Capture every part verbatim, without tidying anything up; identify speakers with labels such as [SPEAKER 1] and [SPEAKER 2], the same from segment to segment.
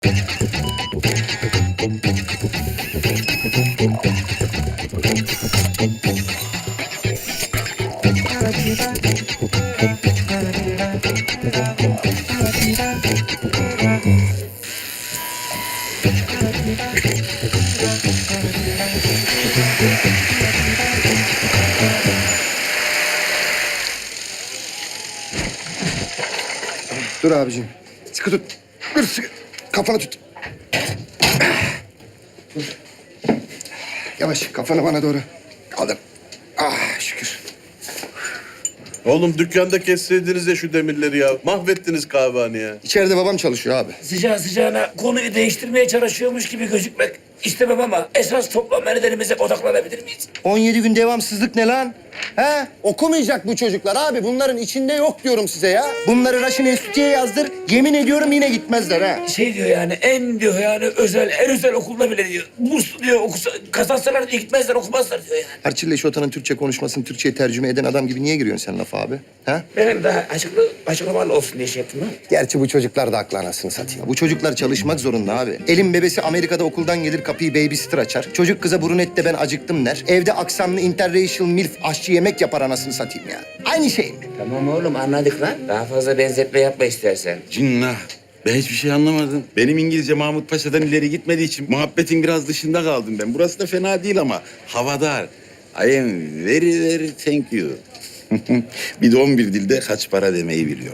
[SPEAKER 1] Dur abicim. Sıkı tut. Dur sıkı. Kafanı tut. Dur. Yavaş kafanı bana doğru. Kaldır. Ah şükür.
[SPEAKER 2] Oğlum dükkanda kesseydiniz ya şu demirleri ya. Mahvettiniz kahvehaneyi ya.
[SPEAKER 1] İçeride babam çalışıyor abi.
[SPEAKER 3] Sıcağı sıcağına konuyu değiştirmeye çalışıyormuş gibi gözükmek istemem ama esas toplam nedenimize odaklanabilir miyiz?
[SPEAKER 1] on yedi gün devamsızlık ne lan? He? Okumayacak bu çocuklar abi. Bunların içinde yok diyorum size ya. Bunları Raşin Enstitü'ye yazdır. Yemin ediyorum yine gitmezler ha.
[SPEAKER 3] Şey diyor yani en diyor yani özel, en özel okulda bile diyor. Burs diyor okusa, kazansalar diyor gitmezler okumazlar diyor yani.
[SPEAKER 1] Harçille Şota'nın Türkçe konuşmasını Türkçe'ye tercüme eden adam gibi niye giriyorsun sen lafa abi? Ha?
[SPEAKER 3] Benim daha açıklı, açıklamalı olsun diye şey yaptım ha.
[SPEAKER 1] Gerçi bu çocuklar da aklı anasını satayım. Bu çocuklar çalışmak zorunda abi. Elin bebesi Amerika'da okuldan gelir kapıyı babysitter açar. Çocuk kıza brunette ben acıktım der. Evde aksanlı interracial milf aşçı yemek yapar anasını satayım ya. Aynı şey mi?
[SPEAKER 3] Tamam oğlum anladık lan. Daha fazla benzetme yapma istersen.
[SPEAKER 4] Cinnah. Ben hiçbir şey anlamadım. Benim İngilizce Mahmut Paşa'dan ileri gitmediği için muhabbetin biraz dışında kaldım ben. Burası da fena değil ama havadar. I am very very thank you. Bir de on bir dilde kaç para demeyi biliyorum.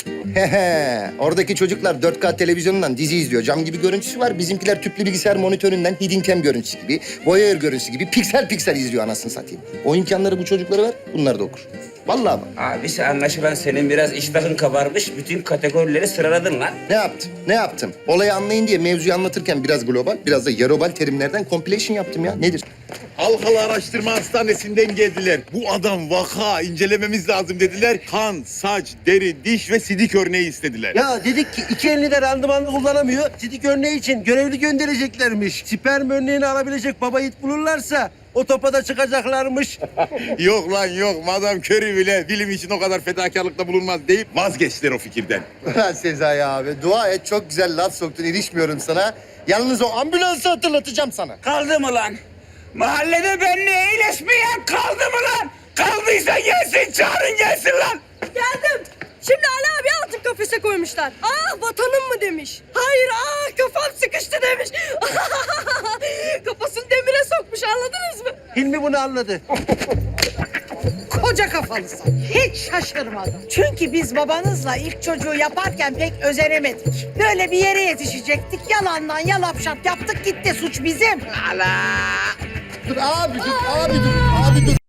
[SPEAKER 1] Hehe. Oradaki çocuklar dört K televizyonundan dizi izliyor. Cam gibi görüntüsü var. Bizimkiler tüplü bilgisayar monitöründen hidden cam görüntüsü gibi, voyeur görüntüsü gibi piksel piksel izliyor anasını satayım. O imkanları bu çocuklara ver, bunlar da okur. Vallahi bak.
[SPEAKER 3] Abisi anlaşılan senin biraz iştahın kabarmış. Bütün kategorileri sıraladın lan.
[SPEAKER 1] Ne yaptım? Ne yaptım? Olayı anlayın diye mevzuyu anlatırken biraz global, biraz da yarobal terimlerden compilation yaptım ya. Nedir?
[SPEAKER 4] Halkalı Araştırma Hastanesi'nden geldiler. Bu adam vaka incelememiz lazım dediler. Kan, saç, deri, diş ve sidik örneği istediler.
[SPEAKER 5] Ya dedik ki iki elini de randımanlı kullanamıyor. Sidik örneği için görevli göndereceklermiş. Sperm örneğini alabilecek baba yiğit bulurlarsa o topa da çıkacaklarmış.
[SPEAKER 4] Yok lan yok. Madam Curry bile bilim için o kadar fedakarlıkta bulunmaz deyip vazgeçtiler o fikirden.
[SPEAKER 1] Sezai abi, dua et. Çok güzel laf soktun, ilişmiyorum sana. Yalnız o ambulansı hatırlatacağım sana.
[SPEAKER 3] Kaldı mı lan? Mahallede benimle iyileşmeyen kaldı mı lan? Kaldıysa gelsin, çağırın gelsin lan.
[SPEAKER 6] Geldim. Şimdi Ali abi altın kafese koymuşlar. Ah vatanım mı demiş. Hayır ah kafam sıkıştı demiş. Kafasını demire sokmuş anladınız mı?
[SPEAKER 5] Hilmi bunu anladı.
[SPEAKER 7] Koca kafalısın. Hiç şaşırmadım. Çünkü biz babanızla ilk çocuğu yaparken pek özenemedik. Böyle bir yere yetişecektik. Yalandan yalap şap yaptık gitti. Suç bizim.
[SPEAKER 1] Dur abi, dur abi, dur abi, dur.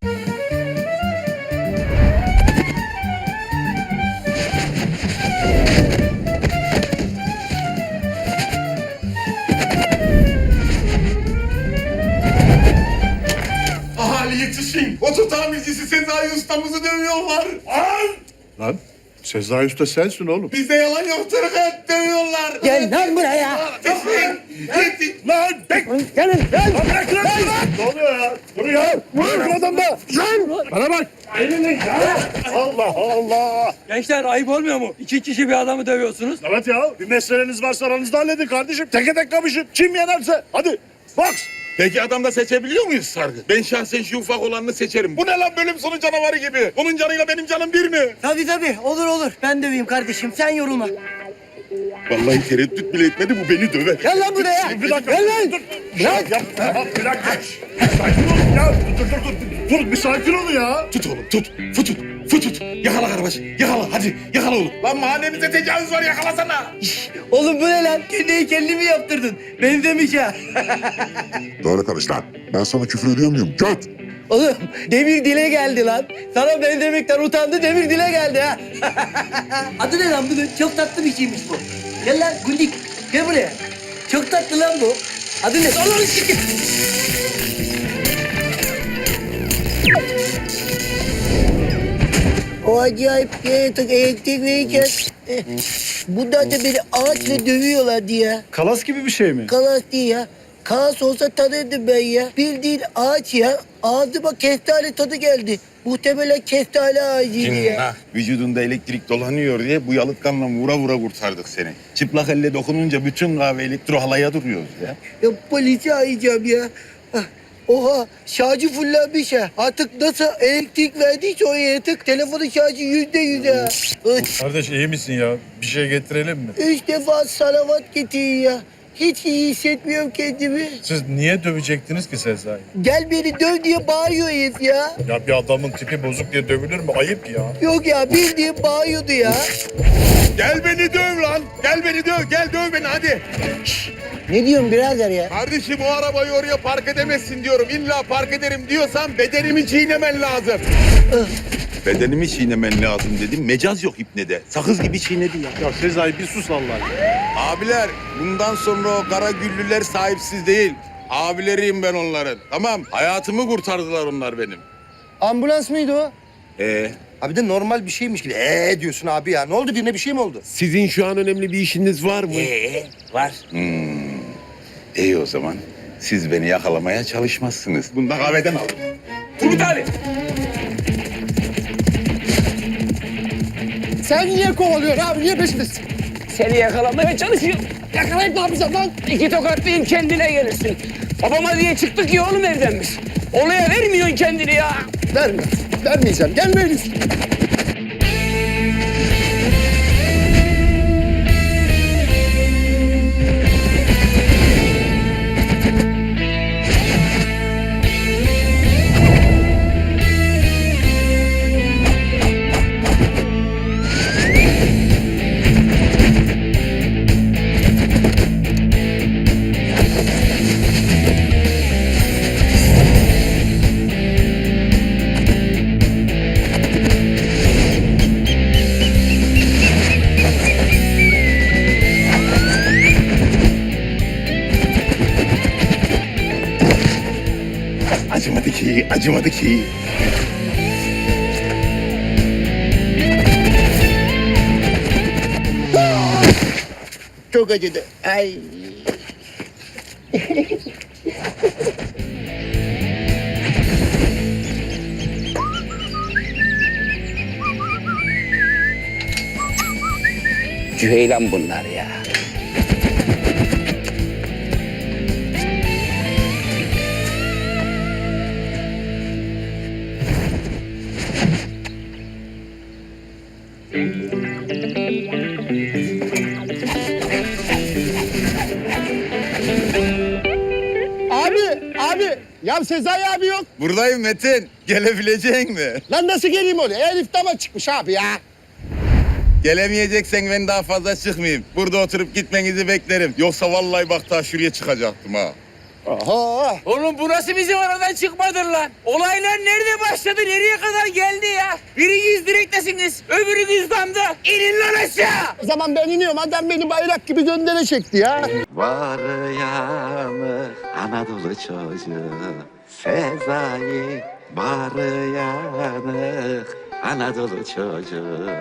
[SPEAKER 4] Ahali yetişin. Oto tamircisi Sezai ustamızı dövüyorlar. Lan!
[SPEAKER 2] Lan Sezai Usta sensin oğlum.
[SPEAKER 4] Bizde yalan yok Tırkat dövüyorlar.
[SPEAKER 5] Gel lan buraya.
[SPEAKER 4] Yetişin! Yetişin!
[SPEAKER 2] Lan! Bek!
[SPEAKER 5] Gelin gel.
[SPEAKER 2] Bırak lan! Ne oluyor ya? Dur ya! Vur adam da! Lan! Bana bak! Elini ya! Allah Allah!
[SPEAKER 8] Gençler ayıp olmuyor mu? İki kişi bir adamı dövüyorsunuz.
[SPEAKER 2] Evet ya, bir meseleniz varsa aranızda halledin kardeşim. Teke tek kapışın. Kim yenerse. Hadi, box!
[SPEAKER 4] Peki adamda seçebiliyor muyuz sargı? Ben şahsen şu ufak olanını seçerim. Bu ne lan bölüm sonu canavarı gibi? Onun canıyla benim canım bir mi?
[SPEAKER 5] Tabii tabii olur olur. Ben döveyim kardeşim sen yorulma.
[SPEAKER 4] Vallahi tereddüt bile etmedi bu beni döver.
[SPEAKER 5] Gel lan buraya.
[SPEAKER 2] Bir dakika.
[SPEAKER 5] Gel lan.
[SPEAKER 2] Dur. Bırak. Yap. Bir dakika. Sakin ol ya. Dur dur dur. Dur bir sakin ol ya.
[SPEAKER 4] Tut oğlum tut. Futut. Futut. Yakala kardeş. Yakala hadi. Yakala oğlum. Lan mahallemize tecavüz var yakalasana.
[SPEAKER 5] Oğlum bu ne lan? Kendi heykelini mi yaptırdın? Benzemiş ha.
[SPEAKER 9] Doğru konuş lan. Ben sana küfür ediyor muyum? Göt!
[SPEAKER 5] Oğlum demir dile geldi lan. Sana benzemekten utandı demir dile geldi ha. Adı ne lan bunun? Çok tatlı bir şeymiş bu. Gel lan Gundik. Gel buraya. Çok tatlı lan bu. Adı ne? Allah'ını sikeyim. O acayip yaratık elektrik verirken... Bunlar da beni ağaçla dövüyorlar diye.
[SPEAKER 2] Kalas gibi bir şey mi?
[SPEAKER 5] Kalas değil ya. kaos olsa tanırdım ben ya. Bildiğin ağaç ya. Ağzıma kestane tadı geldi. Muhtemelen kestane ağacıydı ya.
[SPEAKER 4] Ha, vücudunda elektrik dolanıyor diye bu yalıtkanla vura vura kurtardık seni. Çıplak elle dokununca bütün kahve elektro halaya duruyoruz ya.
[SPEAKER 5] Ya polisi arayacağım ya. Ah, oha şarjı fullenmiş ha. Artık nasıl elektrik verdiyse o yaratık telefonun şarjı yüzde yüz ha. Üç,
[SPEAKER 2] Kardeş iyi misin ya? Bir şey getirelim mi?
[SPEAKER 5] üç defa salavat getirin ya. Hiç iyi hissetmiyorum kendimi.
[SPEAKER 2] Siz niye dövecektiniz ki Sezai?
[SPEAKER 5] Gel beni döv diye bağırıyor herif ya.
[SPEAKER 2] Ya bir adamın tipi bozuk diye dövülür mü? Ayıp ya.
[SPEAKER 5] Yok ya bildiğin bağırıyordu ya.
[SPEAKER 4] Gel beni döv lan. Gel beni döv. Gel döv beni hadi.
[SPEAKER 5] Ne diyorsun birader ya?
[SPEAKER 4] Kardeşim o arabayı oraya park edemezsin diyorum. İlla park ederim diyorsan bedenimi çiğnemen lazım. Bedenimi çiğnemen lazım dedim. Mecaz yok ipnede. Sakız gibi çiğnedi ya.
[SPEAKER 2] Ya Sezai bir sus Allah.
[SPEAKER 4] Abiler bundan sonra o kara güllüler sahipsiz değil. Abileriyim ben onların. Tamam hayatımı kurtardılar onlar benim.
[SPEAKER 1] Ambulans mıydı o?
[SPEAKER 4] Ee,
[SPEAKER 1] Abi de normal bir şeymiş gibi. Ee diyorsun abi ya. Ne oldu, birine bir şey mi oldu?
[SPEAKER 2] Sizin şu an önemli bir işiniz var mı?
[SPEAKER 3] Ee, var.
[SPEAKER 4] iyi o zaman. Siz beni yakalamaya çalışmazsınız. Bunu da kahveden alın.
[SPEAKER 3] Turgut abi.
[SPEAKER 2] Sen niye kovalıyorsun abi? Niye peşindesin?
[SPEAKER 3] Seni yakalamaya çalışıyorum. Yakalayıp ne yapacağım lan? İki tokatlayayım kendine gelirsin. Babama diye çıktık ya oğlum evden biz. Olaya vermiyorsun kendini ya.
[SPEAKER 2] Verme. Vermeyeceğim. Gelmeyin.
[SPEAKER 4] Acımadı ki, acımadı ki.
[SPEAKER 1] Çok acıdı. Ay.
[SPEAKER 3] Cüheylan bunlar ya.
[SPEAKER 2] Abi, abi. Ya Sezai abi yok.
[SPEAKER 4] Buradayım Metin. Gelebilecek mi?
[SPEAKER 2] Lan nasıl geleyim oraya? Elif dama çıkmış abi ya.
[SPEAKER 4] Gelemeyeceksen ben daha fazla çıkmayayım. Burada oturup gitmenizi beklerim. Yoksa vallahi bak daha şuraya çıkacaktım ha.
[SPEAKER 2] Oha.
[SPEAKER 3] Oğlum burası bizim aradan çıkmadır lan. Olaylar nerede başladı, nereye kadar geldi ya? Biriniz direktesiniz, öbürünüz damda. İnin lan aşağı.
[SPEAKER 2] O zaman ben iniyorum. Adam beni bayrak gibi göndere çekti ya.
[SPEAKER 10] Var yanı Anadolu çocuğu Sezai var yanı Anadolu çocuğu